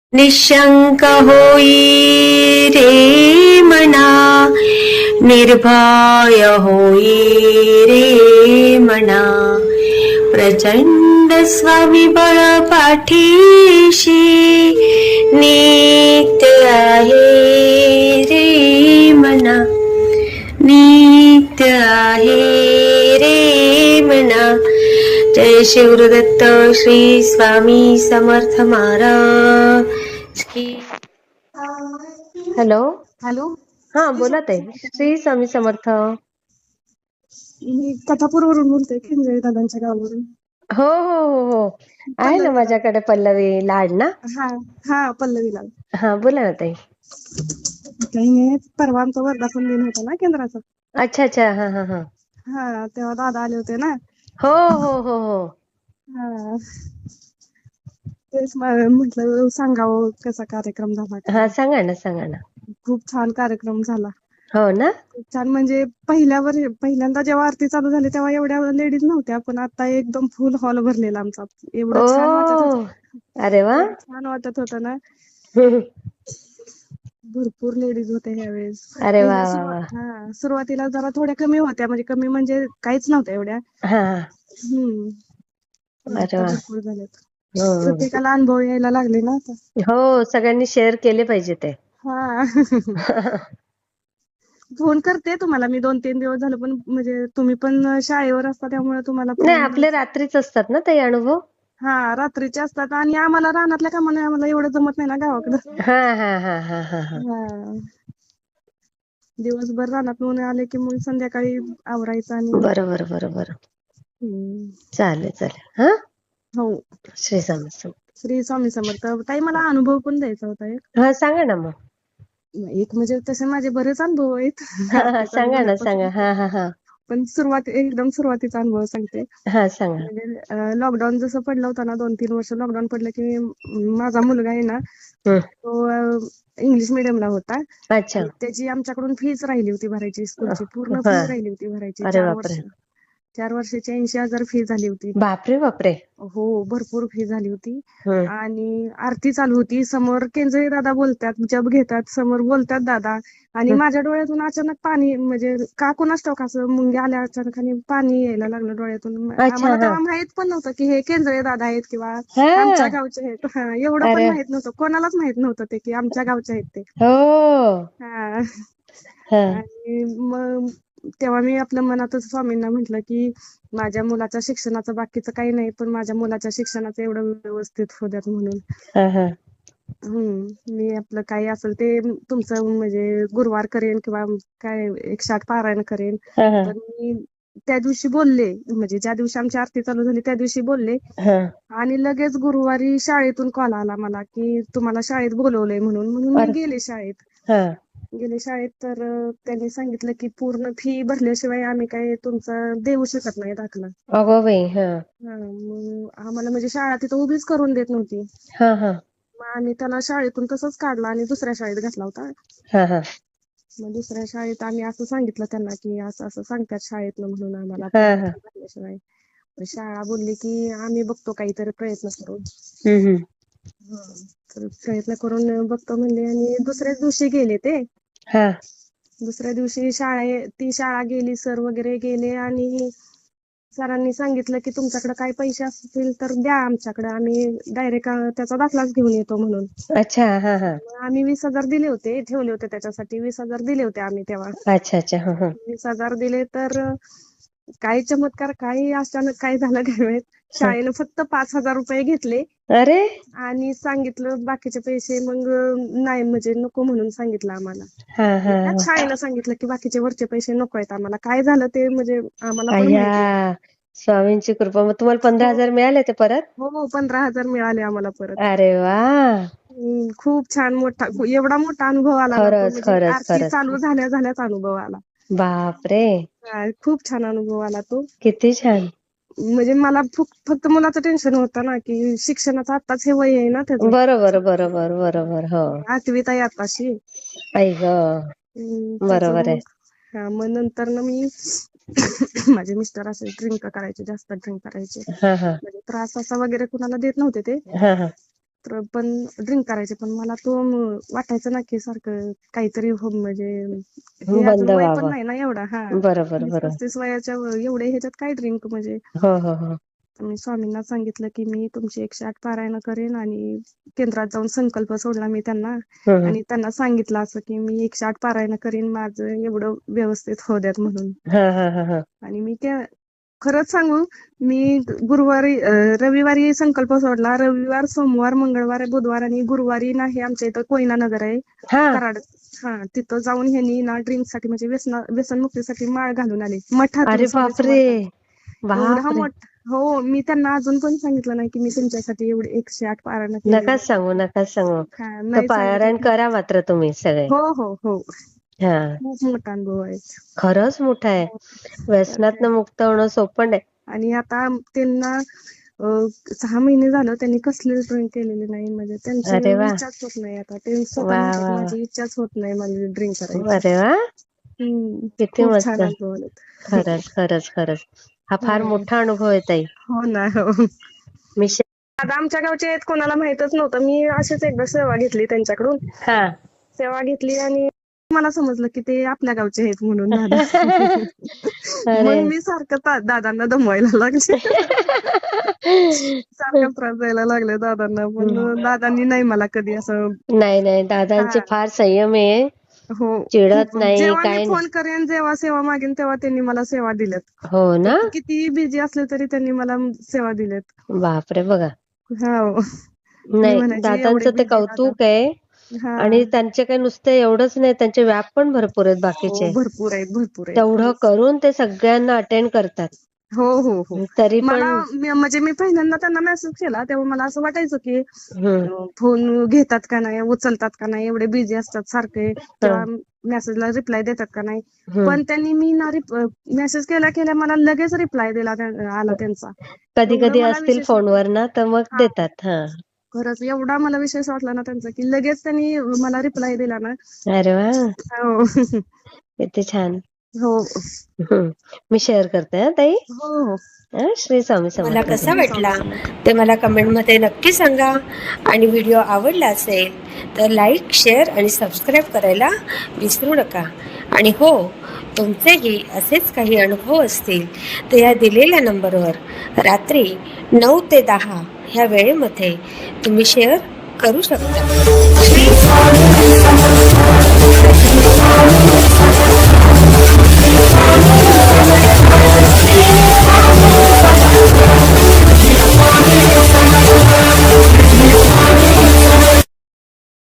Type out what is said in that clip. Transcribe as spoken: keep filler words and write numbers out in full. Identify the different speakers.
Speaker 1: निशंक होई रे मना, निर्भय होई रे मना, प्रचंड स्वविबळ पाठीशी नित्य आहे रे मना, नित्य आहे रे मना. जय शिवदत्त श्री स्वामी समर्थ महाराज की. हॅलो
Speaker 2: हॅलो,
Speaker 1: हा बोला ताई. श्री स्वामी समर्थ.
Speaker 2: मी कथापूरवरून बोलते, खिंजळे दादांच्या गावावरून.
Speaker 1: हो हो हो हो आहे ना
Speaker 2: पल्लवी लाड.
Speaker 1: माझ्याकडे पल्लवी लाड ना.
Speaker 2: हा हा पल्लवी लाड.
Speaker 1: हा बोला ना ताई.
Speaker 2: काही नाही, परवा आमचा वर्धापन दिन होता ना केंद्राचा.
Speaker 1: अच्छा अच्छा हा हा हा
Speaker 2: हा तेव्हा दादा आले होते ना.
Speaker 1: हो हो हो हो
Speaker 2: हा तेच म्हटलं सांगावं कसा कार्यक्रम झाला
Speaker 1: हा
Speaker 2: काय.
Speaker 1: सांगा ना सांगा ना.
Speaker 2: खूप छान कार्यक्रम झाला.
Speaker 1: हो ना.
Speaker 2: खूप छान म्हणजे पहिल्यावर पहिल्यांदा जेव्हा आरती चालू झाली तेव्हा एवढ्या लेडीज नव्हत्या, पण आता एकदम फुल हॉल भरलेला आमचा. एवढं छान वाटत
Speaker 1: ओ
Speaker 2: होत,
Speaker 1: अरे वा.
Speaker 2: एवढं छान वाटत होत ना. भरपूर लेडीज होत्या ह्यावेळेस.
Speaker 1: अरे वा
Speaker 2: पहिल्या
Speaker 1: वा वा.
Speaker 2: सुरुवात हा सुरुवातीला जरा थोड्या कमी होत्या, म्हणजे कमी म्हणजे काहीच नव्हत्या एवढ्या.
Speaker 1: हा
Speaker 2: हम्म
Speaker 1: अरे
Speaker 2: आता
Speaker 1: वा.
Speaker 2: भरपूर झाल्यात.
Speaker 1: हम्म.
Speaker 2: प्रत्येकाला अनुभव यायला लागले ना आता.
Speaker 1: हो सगळ्यांनी शेअर केले पाहिजे ते.
Speaker 2: हा फोन करते तुम्हाला मी, दोन तीन दिवस झालं, पण म्हणजे तुम्ही पण शाळेवर असता त्यामुळे तुम्हाला
Speaker 1: नाही
Speaker 2: फोन.
Speaker 1: आपले रात्रीच असतात ना ताई अनुभव.
Speaker 2: हा रात्रीचे असतात, आणि आम्हाला रानातल्या कामाने आम्हाला एवढं जमत नाही ना गावाकडं.
Speaker 1: हा हा हा हा हा हा
Speaker 2: हा दिवसभर रानातून आले की मग संध्याकाळी आवरायचं आणि.
Speaker 1: बरोबर बरोबर.
Speaker 2: हम्म
Speaker 1: चालेल चालेल हा.
Speaker 2: हो
Speaker 1: श्री स्वामी समर्थ.
Speaker 2: श्री स्वामी समर्थ. ताई मला अनुभव पण द्यायचा होता एक.
Speaker 1: हा सांगा ना मग.
Speaker 2: एक म्हणजे तसे माझे बरेच अनुभव आहेत
Speaker 1: हा हा
Speaker 2: आरती चालू
Speaker 1: सांगा ना
Speaker 2: झाल्यापासून.
Speaker 1: सांगा हा हा हा
Speaker 2: पण सुरुवात एकदम सुरुवातीचा अनुभव सांगते.
Speaker 1: हा सांगा.
Speaker 2: म्हणजे लॉकडाऊन जसं पडलं होतं ना, दोन तीन वर्ष लॉकडाऊन पडलं की माझा मुलगा आहे ना,
Speaker 1: हम्म.
Speaker 2: तो इंग्लिश मिडियमला होता.
Speaker 1: अच्छा.
Speaker 2: आणि त्याची आमच्याकडून फीच राहिली होती भरायची, स्कूलची पूर्ण
Speaker 1: हा
Speaker 2: फी राहिली होती भरायची.
Speaker 1: अरे
Speaker 2: चार
Speaker 1: बापरे.
Speaker 2: वर्ष चार वर्षाची ऐंशी हजार फी झाली होती.
Speaker 1: बापरे बापरे.
Speaker 2: हो भरपूर फी झाली होती.
Speaker 1: हम्म.
Speaker 2: आणि आरती चालू होती, समोर केंजळे दादा बोलतात, जप घेतात, समोर बोलतात दादा. आणि माझ्या डोळ्यातून अचानक पाणी, म्हणजे का कोणास ठाऊक असं मुंगे आल्या अचानक आणि पाणी यायला लागलं डोळ्यातून.
Speaker 1: अच्छा
Speaker 2: आम्हाला
Speaker 1: हा
Speaker 2: तेव्हा माहित पण नव्हतं की हे केंजळे दादा आहेत किंवा आमच्या
Speaker 1: हा
Speaker 2: गावचे आहेत. एवढं पण
Speaker 1: अरे
Speaker 2: माहित नव्हतं, कोणालाच माहित नव्हतं ते की आमच्या गावचे आहेत ते.
Speaker 1: हो
Speaker 2: हा
Speaker 1: हा
Speaker 2: आणि मग तेव्हा मी आपल्या मनातच स्वामींना म्हटलं की माझ्या मुलाच्या शिक्षणाचं बाकीचं काही नाही, पण माझ्या मुलाच्या शिक्षणाचं एवढं व्यवस्थित होऊ द्यात म्हणून.
Speaker 1: हा हा
Speaker 2: हम्म मी आपलं काही असेल ते तुमचं म्हणजे गुरुवार करेन किंवा काय एकशे आठ पारायण करेन.
Speaker 1: हा हा
Speaker 2: पण मी त्या दिवशी बोलले, म्हणजे ज्या दिवशी आमची आरती चालू झाली त्या दिवशी बोलले.
Speaker 1: हा
Speaker 2: आणि लगेच गुरुवारी शाळेतून कॉल आला मला की तुम्हाला शाळेत बोलवलंय म्हणून. म्हणून मी
Speaker 1: अरे
Speaker 2: गेले शाळेत.
Speaker 1: हा
Speaker 2: गेले शाळेत तर त्यांनी सांगितलं की पूर्ण फी भरल्याशिवाय आम्ही काही तुमचा देऊ शकत नाही दाखला.
Speaker 1: अगं बाई. हा
Speaker 2: हा मग आम्हाला म्हणजे शाळा तिथं उभीच करून देत नव्हती.
Speaker 1: हा हा
Speaker 2: मग आम्ही त्याला शाळेतून तसंच काढला आणि दुसऱ्या शाळेत घातला होता.
Speaker 1: हा हा
Speaker 2: मग दुसऱ्या शाळेत आम्ही असं सांगितलं त्यांना की असं असं सांगतात शाळेतनं म्हणून आम्हाला
Speaker 1: हा
Speaker 2: फी
Speaker 1: हा
Speaker 2: भरल्याशिवाय. शाळा बोलली की आम्ही बघतो काहीतरी प्रयत्न करून.
Speaker 1: हम्म हम्म
Speaker 2: तर प्रयत्न करून बघतो म्हणले आणि दुसऱ्याच दिवशी गेले ते.
Speaker 1: हा
Speaker 2: दुसऱ्या दिवशी शाळे ती शाळा गेली, सर वगैरे गेले आणि सरांनी सांगितलं की तुमच्याकडे काय पैसे असतील तर द्या आमच्याकडे, आम्ही डायरेक्ट त्याचा दाखलाच घेऊन येतो म्हणून.
Speaker 1: अच्छा हा हा
Speaker 2: आम्ही वीस हजार दिले होते, ठेवले होते त्याच्यासाठी वीस हजार दिले होते आम्ही तेव्हा.
Speaker 1: अच्छा अच्छा हा हा
Speaker 2: वीस हजार दिले तर काही चमत्कार, काही अचानक काय झालं काय माहित, शाळेनं फक्त पाच हजार रुपये घेतले.
Speaker 1: अरे आणि
Speaker 2: आणि सांगितलं बाकीचे पैसे मग नाही, म्हणजे नको म्हणून सांगितलं आम्हाला.
Speaker 1: हा हा
Speaker 2: त्याच शाळेनं सांगितलं की बाकीचे वरचे पैसे नको आहेत आम्हाला. काय झालं ते म्हणजे आम्हाला पण
Speaker 1: अय्या
Speaker 2: माहित नाही.
Speaker 1: स्वामींची कृपा. मग तुम्हाला पंधरा
Speaker 2: हो
Speaker 1: हजार मिळाले ते परत.
Speaker 2: हो पंधरा हजार मिळाले आम्हाला परत.
Speaker 1: अरे वा.
Speaker 2: हम्म, खूप छान मोठा, एवढा मोठा अनुभव आला ना तो,
Speaker 1: खरंच
Speaker 2: म्हणजे
Speaker 1: खरंच
Speaker 2: आरती
Speaker 1: खरंच
Speaker 2: चालू झाल्या झाल्याच अनुभव आला.
Speaker 1: बापरे.
Speaker 2: हा, खूप छान अनुभव आला तो.
Speaker 1: किती छान.
Speaker 2: म्हणजे मला फक्त मुलाचं टेन्शन होतं ना की शिक्षणाचं आत्ताच हे वय आहे ना त्याचं.
Speaker 1: बरोबर बरोबर बरोबर हो.
Speaker 2: आठवीत आहे आताशी.
Speaker 1: आई ग.
Speaker 2: हम्म त्याचं
Speaker 1: बरोबर आहे.
Speaker 2: मग हा मग नंतर ना मी माझे मिस्टर असे ड्रिंक करायचे, जास्त ड्रिंक करायचे.
Speaker 1: हा हा
Speaker 2: म्हणजे त्रास असा वगैरे कुणाला देत नव्हते ते.
Speaker 1: हा हा
Speaker 2: तर पण ड्रिंक करायचे, पण मला तो म- वाटायचं ना की सारखं काहीतरी हो म्हणजे हे
Speaker 1: बंद
Speaker 2: अजून वय पण
Speaker 1: व्हावं.
Speaker 2: नाही ना एवढा. हा
Speaker 1: बरोबर
Speaker 2: वीस
Speaker 1: बरोबर.
Speaker 2: पस्तीस वयाच्या व- एवढे ह्याच्यात काय ड्रिंक म्हणजे.
Speaker 1: हो हो हो.
Speaker 2: मी स्वामींना सांगितलं की मी तुमची एकशे आठ पारायण करेन, आणि केंद्रात जाऊन संकल्प सोडला मी त्यांना,
Speaker 1: हम्म.
Speaker 2: आणि त्यांना सांगितलं असं की मी एकशे आठ पारायण करीन, माझं एवढं व्यवस्थित होऊ द्यात म्हणून.
Speaker 1: हा हा हा हा.
Speaker 2: आणि मी त्या खरंच सांगू, मी गुरुवारी अं, रविवारी संकल्प सोडला. रविवार, सोमवार, मंगळवार, बुधवार आणि गुरुवारी ना हे आमच्या इथं कोयना नगर आहे
Speaker 1: हा.
Speaker 2: कराड. हा तिथं जाऊन ह्यांनी ना ड्रिंक साठी म्हणजे व्यसन व्यसनमुक्तीसाठी माळ घालून आले मठातून,
Speaker 1: अरे
Speaker 2: स्वामी
Speaker 1: बापरे.
Speaker 2: समर्थांच्या. एवढा
Speaker 1: बापरे.
Speaker 2: मोठा. हो, मी त्यांना अजून पण सांगितलं नाही की मी तुमच्यासाठी एवढे एकशे आठ पारायण केली.
Speaker 1: नकाच सांगू नकाच सांगू.
Speaker 2: हा
Speaker 1: तर
Speaker 2: नाही
Speaker 1: पारायण
Speaker 2: सांगितलं.
Speaker 1: करा मात्र तुम्ही सगळे.
Speaker 2: हो हो हो.
Speaker 1: हा.
Speaker 2: खूप मोठा अनुभव आहे.
Speaker 1: खरंच मोठा आहे.
Speaker 2: हो. तर काय.
Speaker 1: व्यसनातनं मुक्त होणं सोपं नाही.
Speaker 2: आणि आता त्यांना अं, सहा महिने झालं त्यांनी कसलेच ड्रिंक केलेले नाही, म्हणजे त्यांची
Speaker 1: अरे वा.
Speaker 2: इच्छाच होत नाही. आता ते स्वतः
Speaker 1: वा
Speaker 2: म्हणतात
Speaker 1: वा वा.
Speaker 2: माझी इच्छाच होत नाही मला ड्रिंक करायची.
Speaker 1: अरे वा.
Speaker 2: हम्म
Speaker 1: किती
Speaker 2: खूप
Speaker 1: मस्त.
Speaker 2: छान अनुभव आलेत.
Speaker 1: खरंच खरंच खरंच. हा फार
Speaker 2: हो
Speaker 1: मोठा अनुभव आहे ताई.
Speaker 2: हो ना. हो.
Speaker 1: मी शे-
Speaker 2: आता आमच्या गावचे आहेत, कोणाला माहितच नव्हतं. मी अशीच एकदा सेवा घेतली त्यांच्याकडून.
Speaker 1: हा.
Speaker 2: सेवा घेतली आणि मला समजलं की ते आपल्या गावचे आहेत म्हणून दादा.
Speaker 1: अरे.
Speaker 2: मग मी सारखं ता- दादांना दमवायला लागले. सारखा त्रास द्यायला लागले दादांना, पण दादांनी नाही मला कधी असं.
Speaker 1: नाही नाही,
Speaker 2: हा.
Speaker 1: दादांचे फार संयम आहे.
Speaker 2: हो.
Speaker 1: चिडत
Speaker 2: खूप
Speaker 1: नाही
Speaker 2: जेव्हा मी
Speaker 1: काय नाही.
Speaker 2: फोन करेन, जेव्हा सेवा मागेन तेव्हा त्यांनी मला सेवा दिल्यात.
Speaker 1: हो
Speaker 2: ते
Speaker 1: ना.
Speaker 2: कितीही बिझी असले तरी त्यांनी मला सेवा दिल्यात.
Speaker 1: बापरे बघा.
Speaker 2: हो. मी
Speaker 1: नाही,
Speaker 2: म्हणायची एवढे
Speaker 1: दादांचं ते
Speaker 2: बिझी दादा.
Speaker 1: कौतुक आहे.
Speaker 2: हा.
Speaker 1: आणि त्यांचे काही नुसते एवढंच नाही, त्यांचे व्याप पण भरपूर आहेत
Speaker 2: हो
Speaker 1: बाकीचे.
Speaker 2: भरपूर आहेत भरपूर आहेत
Speaker 1: तेवढं
Speaker 2: खरंच.
Speaker 1: करून ते सगळ्यांना अटेंड करतात.
Speaker 2: हो हो हो.
Speaker 1: तरी
Speaker 2: मला
Speaker 1: पण.
Speaker 2: मी- म्हणजे मी पहिल्यांदा त्यांना मेसेज केला तेव्हा मला असं वाटायचं की
Speaker 1: हम्म.
Speaker 2: अं, फोन घेतात का नाही, उचलतात का नाही, एवढे बिझी असतात सारखे, किंवा मेसेजला रिप्लाय देतात का नाही.
Speaker 1: हम्म.
Speaker 2: पण त्यांनी मी ना मेसेज केल्या केल्या मला लगेच रिप्लाय दिला त्या- आला त्यांचा.
Speaker 1: कधी
Speaker 2: एवढं
Speaker 1: कधी
Speaker 2: मला
Speaker 1: असतील
Speaker 2: विशेष वाटलं.
Speaker 1: फोनवर ना तर मग
Speaker 2: हा.
Speaker 1: देतात. हा.
Speaker 2: खरंच एवढा मला विशेष वाटला ना त्यांचा, की लगेच त्यांनी मला रिप्लाय दिला ना.
Speaker 1: अरे वा.
Speaker 2: हो.
Speaker 1: किती छान.
Speaker 2: हो
Speaker 1: हम्म. मी शेअर करते हा ताई.
Speaker 2: हो हो.
Speaker 1: हा, श्री स्वामी
Speaker 3: मला
Speaker 1: समर्थ.
Speaker 3: कसा
Speaker 2: श्री स्वामी
Speaker 3: वाटला
Speaker 2: समर्थ.
Speaker 3: ते मला कमेंटमध्ये नक्की सांगा. आणि व्हिडिओ आवडला असेल तर लाईक, शेअर आणि सबस्क्राईब करायला विसरू नका. आणि हो, तुमचेही असेच काही अनुभव असतील तर या दिलेल्या नंबरवर रात्री नऊ ते दहा ह्या वेळेमध्ये तुम्ही शेअर करू शकता.